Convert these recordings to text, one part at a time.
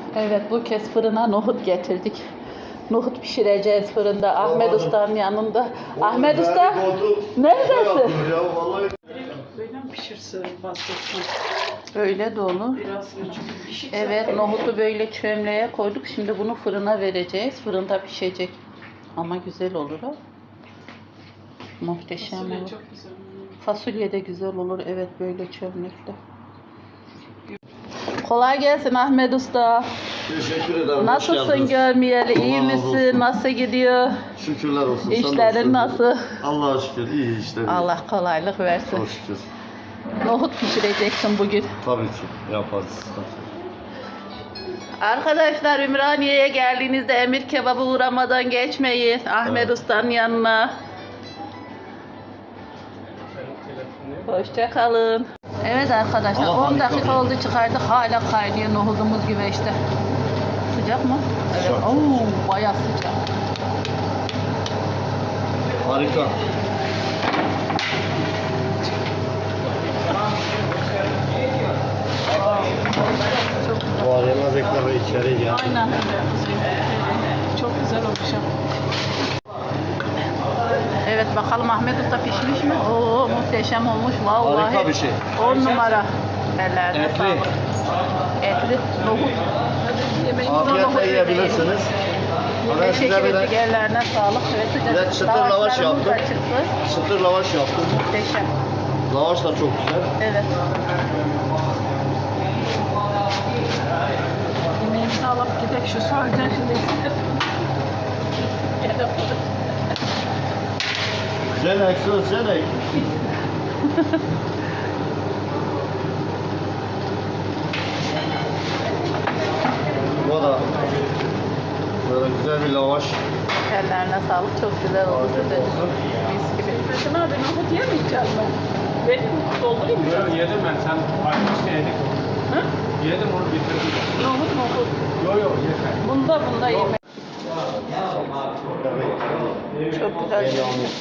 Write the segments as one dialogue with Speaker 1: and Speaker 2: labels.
Speaker 1: Evet, bu kez fırına nohut getirdik. Nohut pişireceğiz fırında. Ahmet Usta'nın yanında. Ahmet Usta, neredesin?
Speaker 2: Böyle mi pişirsin bastırsın?
Speaker 1: Öyle de olur.
Speaker 2: Biraz çünkü pişik.
Speaker 1: Evet, nohutu böyle çömleğe koyduk. Şimdi bunu fırına vereceğiz. Fırında pişecek. Ama güzel olur o. Muhteşem
Speaker 2: Fasulye
Speaker 1: olur.
Speaker 2: çok güzel.
Speaker 1: Fasulye de güzel olur. Evet, böyle çömlekte. Kolay gelsin Ahmet Usta.
Speaker 3: Teşekkür ederim.
Speaker 1: Nasılsın görmeyeli? İyi
Speaker 3: Allah razı
Speaker 1: misin?
Speaker 3: olsun.
Speaker 1: Nasıl gidiyor?
Speaker 3: Şükürler olsun.
Speaker 1: İşlerin nasıl?
Speaker 3: Allah'a şükür. İyi işler.
Speaker 1: Allah kolaylık versin.
Speaker 3: Çok şükür.
Speaker 1: Nohut pişireceksin bugün.
Speaker 3: Tabii ki yaparız.
Speaker 1: Arkadaşlar, Ümraniye'ye geldiğinizde Emir Kebabı uğramadan geçmeyin. Ahmet
Speaker 3: Evet.
Speaker 1: Usta'nın yanına. Hoşça kalın. Evet arkadaşlar,
Speaker 3: Ama
Speaker 1: 10
Speaker 3: harika
Speaker 1: dakika
Speaker 3: bir-
Speaker 1: oldu çıkardık, hala kaynıyor nohudumuz gibi işte. Sıcak mı? Evet.
Speaker 3: Sıcak.
Speaker 1: Oo, bayağı sıcak.
Speaker 3: Harika. Bu arayamaz ekranı içeri gel.
Speaker 2: Aynen. Çok güzel olmuş.
Speaker 1: Evet, bakalım Ahmet Usta pişmiş mi? Oo, muhteşem olmuş vallahi.
Speaker 3: Harika bir şey.
Speaker 1: 10 numara. Ellerine
Speaker 3: Etli.
Speaker 1: sağlık. Etli nohut.
Speaker 3: Afiyetle yiyebilirsiniz. Ben size
Speaker 1: Teşekkür
Speaker 3: bir
Speaker 1: ettik,
Speaker 3: de
Speaker 1: ellerine sağlık.
Speaker 3: Bir de çıtır lavaş
Speaker 1: Lavaşlarımız da
Speaker 3: yaptım.
Speaker 1: çıktı.
Speaker 3: çıtır lavaş yaptım.
Speaker 1: Muhteşem.
Speaker 3: Lavaş da çok güzel.
Speaker 1: Evet.
Speaker 2: Yemeğimizi alıp gidelim şu sahilden şimdi.
Speaker 3: Jenek, söz jenek. Bu da böyle güzel bir lavaş.
Speaker 1: Ellerine sağlık. Çok güzel oldu.
Speaker 3: Afiyet olsun.
Speaker 1: Mis gibi.
Speaker 2: Metin abi nohut yemeyeceğim ben. Benim doldurayım mı?
Speaker 4: Yok yedim ben, sen aynı işte yedik onu.
Speaker 2: Hı?
Speaker 4: Yedim onu bitirdim.
Speaker 2: Nohut.
Speaker 4: Yok yok yeter.
Speaker 2: Bunda yemek.
Speaker 1: Çok güzel.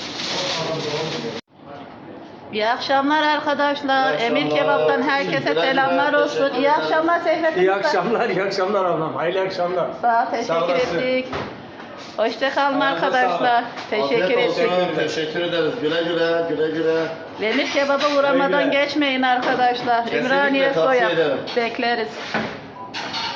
Speaker 1: İyi akşamlar arkadaşlar.
Speaker 3: İyi akşamlar.
Speaker 1: Emir Kebap'tan herkese
Speaker 3: Teşekkürler.
Speaker 1: selamlar olsun. İyi
Speaker 3: Teşekkürler.
Speaker 1: akşamlar Sehrettin
Speaker 4: İyi
Speaker 1: Usta.
Speaker 4: akşamlar, iyi akşamlar ablam. Hayırlı akşamlar.
Speaker 1: Sağ ol,
Speaker 4: Sağ
Speaker 1: teşekkür
Speaker 4: olasın.
Speaker 1: ettik. Hoşça kalın
Speaker 4: Ayağınıza
Speaker 1: arkadaşlar. Teşekkür
Speaker 3: Afiyet
Speaker 1: ettik.
Speaker 3: olsun. Teşekkür ederiz. Güle güle, güle güle.
Speaker 1: Emir Kebap'a uğramadan
Speaker 4: Güle güle.
Speaker 1: geçmeyin arkadaşlar.
Speaker 3: Kesinlikle
Speaker 1: Ümraniye
Speaker 3: tavsiye
Speaker 1: Soya.
Speaker 3: ederim.
Speaker 1: Bekleriz.